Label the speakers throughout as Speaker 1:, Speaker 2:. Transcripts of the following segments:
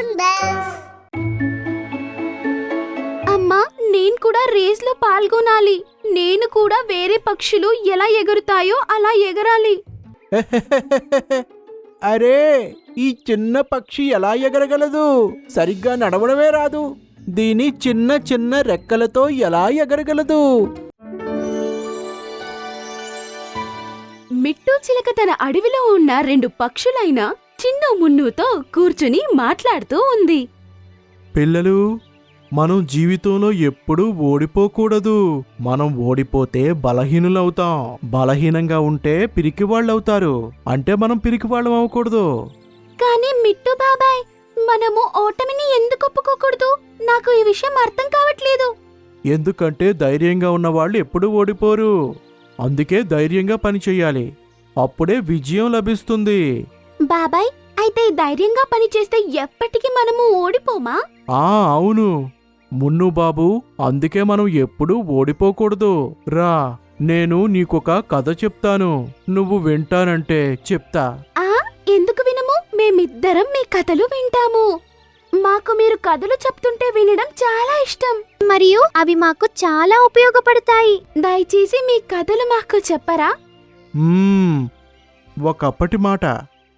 Speaker 1: balloon bells.
Speaker 2: అమ్మా, నేను కూడా రేస్ లో పాల్గొనాలి. నేను కూడా వేరే పక్షులు ఎలా ఎగురుతాయో అలా ఎగరాలి.
Speaker 3: అరే, ఈ చిన్న పక్షి ఎలా ఎగరగలదు? సరిగ్గా నడవడమే రాదు. దీని చిన్న చిన్న రెక్కలతో ఎలా ఎగరగలదు?
Speaker 2: మిట్టు చిలక తన అడవిలో ఉన్న 2 పక్షులైన చిన్ను మున్నుతో కూర్చుని మాట్లాడుతూ ఉంది.
Speaker 3: పిల్లలు, మనం జీవితంలో ఎప్పుడూ ఓడిపోకూడదు. మనం ఓడిపోతే బలహీనులవుతాం. బలహీనంగా ఉంటే పిరికివాళ్ళవుతారు. అంటే మనం పిరికివాళ్ళం అవ్వకూడదు.
Speaker 2: కానీ మిట్టు బాబాయ్, మనము ఓటమిని ఎందుకు ఒప్పుకోకూడదు? నాకు ఈ విషయం అర్థం కావట్లేదు.
Speaker 3: ఎందుకంటే ధైర్యంగా ఉన్నవాళ్ళు ఎప్పుడూ ఓడిపోరు. అందుకే ధైర్యంగా పనిచెయ్యాలి. అప్పుడే విజయం లభిస్తుంది.
Speaker 2: బాబాయ్, అయితే ధైర్యంగా పనిచేస్తే ఎప్పటికీ మనము ఓడిపోమా?
Speaker 3: అవును మున్ను బాబు, అందుకే మనం ఎప్పుడూ ఓడిపోకూడదు. రా, నేను నీకొక కథ చెప్తాను. నువ్వు వింటానంటే చెప్తా.
Speaker 2: ఎందుకు వినము? మేమిద్దరం మీ కథలు వింటాము. మాకు మీరు కథలు చెప్తుంటే వినడం చాలా ఇష్టం.
Speaker 1: మరియు అవి మాకు చాలా ఉపయోగపడతాయి.
Speaker 2: దయచేసి మీ కథలు మాకు చెప్పరా?
Speaker 3: ఒకప్పటి మాట.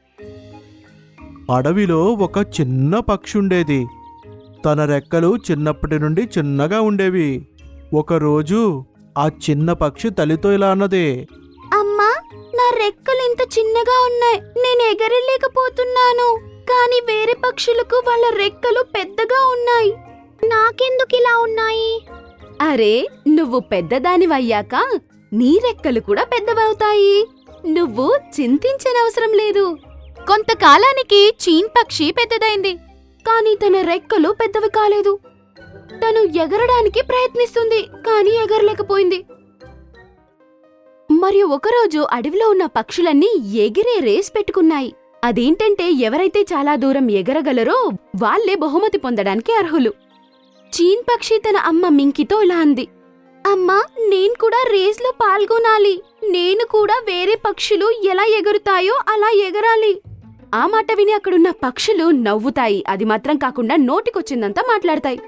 Speaker 3: అడవిలో ఒక చిన్న పక్షి ఉండేది. తన రెక్కలు చిన్నప్పటి నుండి చిన్నగా ఉండేవి. ఒకరోజు ఆ చిన్న పక్షి తల్లితో ఇలా అన్నది,
Speaker 2: అమ్మా, నా రెక్కలు ఇంత చిన్నగా ఉన్నాయి. నేను ఎగరలేకపోతున్నాను. కానీ వేరే పక్షులకు వాళ్ళ రెక్కలు పెద్దగా ఉన్నాయి.
Speaker 1: నాకెందుకు ఇలా ఉన్నాయి?
Speaker 2: అరే, నువ్వు పెద్దదానివయ్యాక నీ రెక్కలు కూడా పెద్దవవుతాయి. నువ్వు చింతించనవసరం లేదు. కొంతకాలానికి చీన్ పక్షి పెద్దదైంది. కానీ తన రెక్కలు పెద్దవి కాలేదు. తను ఎగరడానికి ప్రయత్నిస్తుంది, కానీ ఎగరలేకపోయింది. మరియు ఒకరోజు అడవిలో ఉన్న పక్షులన్నీ ఎగిరే రేస్ పెట్టుకున్నాయి. అదేంటంటే ఎవరైతే చాలా దూరం ఎగరగలరో వాళ్లే బహుమతి పొందడానికి అర్హులు. చీన్ పక్షి తన అమ్మ మింకితో ఇలా అంది, అమ్మా, నేను కూడా రేస్లో పాల్గొనాలి. నేను కూడా వేరే పక్షులు ఎలా ఎగురుతాయో అలా ఎగరాలి. ఆ మాట విని అక్కడున్న పక్షులు నవ్వుతాయి. అది మాత్రం కాకుండా నోటికొచ్చిందంతా మాట్లాడతాయి.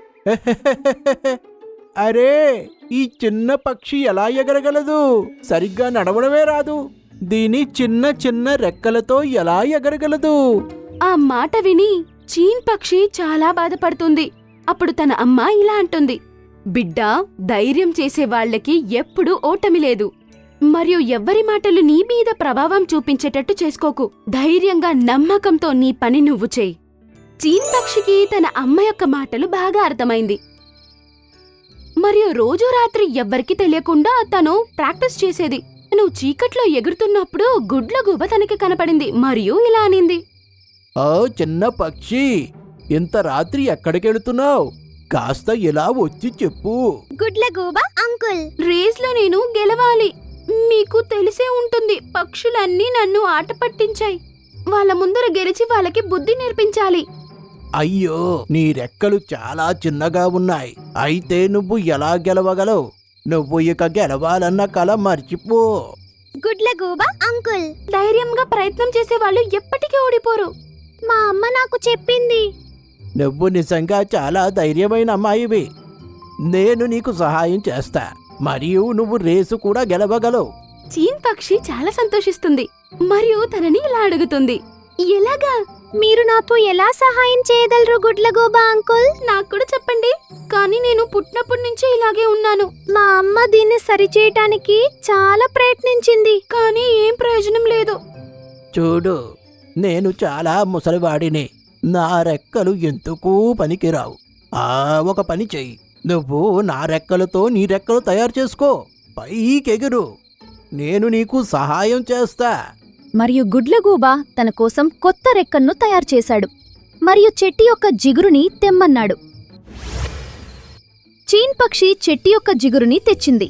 Speaker 3: అరే, ఈ చిన్న పక్షి ఎలా ఎగరగలదు? సరిగ్గా నడవడమే రాదు. దీని చిన్న చిన్న రెక్కలతో ఎలా ఎగరగలదు?
Speaker 2: ఆ మాట విని చీన్ పక్షి చాలా బాధపడుతుంది. అప్పుడు తన అమ్మ ఇలా అంటుంది, బిడ్డా, ధైర్యం చేసే వాళ్లకి ఎప్పుడూ ఓటమి లేదు. మరియు ఎవ్వరి మాటలు నీ మీద ప్రభావం చూపించేటట్టు చేసుకోకు. ధైర్యంగా నమ్మకంతో నీ పని నువ్వు చేయి. చీన్ పక్షికి తన అమ్మ యొక్క మాటలు బాగా అర్థమైంది. మరియు రోజూ రాత్రి ఎవ్వరికీ తెలియకుండా తను ప్రాక్టీస్ చేసేది. తను చీకట్లో ఎగురుతున్నప్పుడు గుడ్లగూబ తనకి కనపడింది మరియు ఇలా అనింది,
Speaker 3: ఓ చిన్న పక్షి, ఇంత రాత్రి ఎక్కడికెళ్తున్నావు? కాస్త ఇలా వచ్చి చెప్పు.
Speaker 1: గుడ్లగూబ అంకుల్,
Speaker 2: రేస్లో నేను గెలవాలి. మీకు తెలిసే ఉంటుంది, పక్షులన్నీ నన్ను ఆట పట్టించాయి. వాళ్ళ ముందర గెలిచి వాళ్ళకి బుద్ధి నేర్పించాలి.
Speaker 3: అయ్యో, నీ రెక్కలు చాలా చిన్నగా ఉన్నాయి. అయితే నువ్వు ఎలా గెలవగలవు? నువ్వు ఇక గెలవాలన్న కల మర్చిపో.
Speaker 1: గుడ్లగూబ అంకుల్,
Speaker 2: ధైర్యంగా ప్రయత్నం చేసే వాళ్ళు ఎప్పటికీ ఓడిపోరు.
Speaker 1: మా అమ్మ నాకు చెప్పింది.
Speaker 3: నువ్వు నిజంగా చాలా ధైర్యమైన అమ్మాయివి. నేను నీకు సహాయం చేస్తా, మరియు నువ్వు రేసు కూడా గెలవగలవు.
Speaker 2: చీన్ పక్షి చాలా సంతోషిస్తుంది మరియు తనని ఇలా అడుగుతుంది, ఎలాగా?
Speaker 1: మీరు నాకు ఎలా సహాయం చేయగలరు గుడ్లగూబ అంకుల్?
Speaker 2: నాకు కూడా చెప్పండి. కానీ నేను పుట్టినప్పటి నుంచి ఇలాగే ఉన్నాను.
Speaker 1: మా అమ్మ దీన్ని సరిచేయటానికి చాలా ప్రయత్నించింది,
Speaker 2: కానీ ఏం ప్రయోజనం లేదు.
Speaker 3: చూడు, నేను చాలా ముసలివాడిని. నా రెక్కలు ఎందుకు పనికిరావు. ఒక పని చెయ్యి, నువ్వు నా రెక్కలతో నీ రెక్కలు తయారు చేసుకో. పైకెగురు, నేను నీకు సహాయం చేస్తా.
Speaker 4: మరియు గుడ్లగూబ తన కోసం కొత్త రెక్కను తయారు చేశాడు మరియు చెట్టు యొక్క జిగురుని తెమ్మన్నాడు. చీన్ పక్షి చెట్టు యొక్క జిగురుని తెచ్చింది.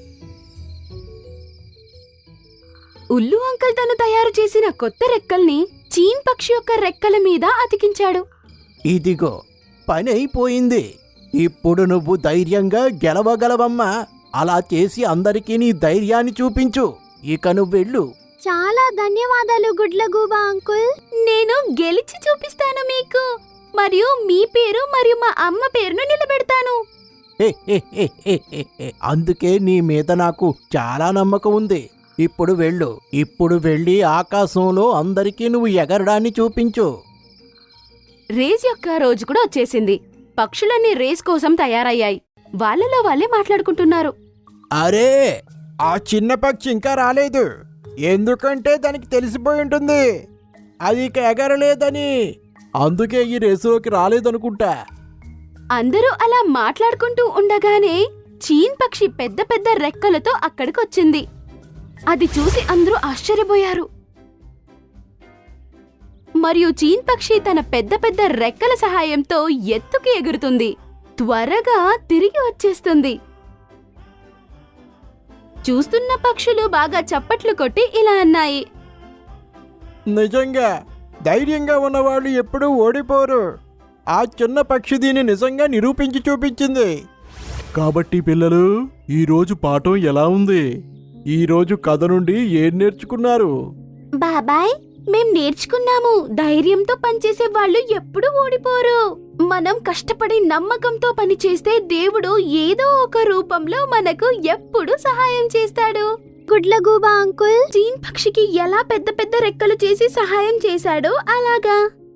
Speaker 2: ఉల్లు అంకల్ తను తయారు చేసిన కొత్త రెక్కల్ని చీన్ పక్షి యొక్క రెక్కల మీద అతికించాడు.
Speaker 3: ఇదిగో, పని అయిపోయింది. ఇప్పుడు నువ్వు ధైర్యంగా గెలవగలవమ్మా. అలా చేసి అందరికీ నీ ధైర్యాన్ని చూపించు. ఇక నువ్వెళ్ళు.
Speaker 1: చాలా ధన్యవాదాలు గుడ్లగూబ అంకుల్.
Speaker 2: నేను గెలిచి చూపిస్తాను మీకు. మరియు మీ పేరు మరియు మా అమ్మ పేరును నిలబెడతాను.
Speaker 3: అందుకే నీ మీద నాకు చాలా నమ్మకం ఉంది. ఇప్పుడు వెళ్ళు. ఇప్పుడు వెళ్ళి ఆకాశంలో అందరికీ నువ్వు ఎగరడాన్ని చూపించు.
Speaker 2: రేస్ యొక్క రోజు కూడా వచ్చేసింది. పక్షులన్నీ రేస్ కోసం తయారయ్యాయి. వాళ్ళలో వాళ్ళే మాట్లాడుకుంటున్నారు.
Speaker 3: అరే, ఆ చిన్న పక్షి ఇంకా రాలేదు. ఎందుకంటే దానికి తెలిసిపోయి ఉంటుంది అది ఇక ఎగరలేదని. అందుకే ఈ రేసులోకి రాలేదనుకుంటా.
Speaker 2: అందరూ అలా మాట్లాడుకుంటూ ఉండగానే చీన్ పక్షి పెద్ద పెద్ద రెక్కలతో అక్కడికొచ్చింది. అది చూసి అందరూ ఆశ్చర్యపోయారు. మరియు చీన్ పక్షి తన పెద్ద పెద్ద రెక్కల సహాయంతో ఎత్తుకి ఎగురుతుంది. త్వరగా తిరిగి వచ్చేస్తుంది. చూస్తున్న పక్షులు బాగా చప్పట్లు కొట్టి ఇలా అన్నాయి.
Speaker 3: నిజంగా ధైర్యంగా ఉన్నవాళ్ళు ఎప్పుడూ ఓడిపోరు. ఆ చిన్న పక్షి దీన్ని నిజంగా నిరూపించి చూపించింది. కాబట్టి పిల్లలు, ఈరోజు పాఠం ఎలా ఉంది? ఈరోజు కథ నుండి ఏం నేర్చుకున్నారు?
Speaker 2: బాబాయ్, మేం నేర్చుకున్నాము, ధైర్యంతో పనిచేసే వాళ్ళు ఎప్పుడూ ఓడిపోరు. మనం కష్టపడి నమ్మకంతో పనిచేస్తే దేవుడు ఏదో ఒక రూపంలో మనకు ఎప్పుడూ సహాయం చేస్తాడు.
Speaker 1: గుడ్లగూబ అంకుల్
Speaker 2: చీన్ పక్షికి ఎలా పెద్ద పెద్ద రెక్కలు చేసి సహాయం చేశాడో అలాగా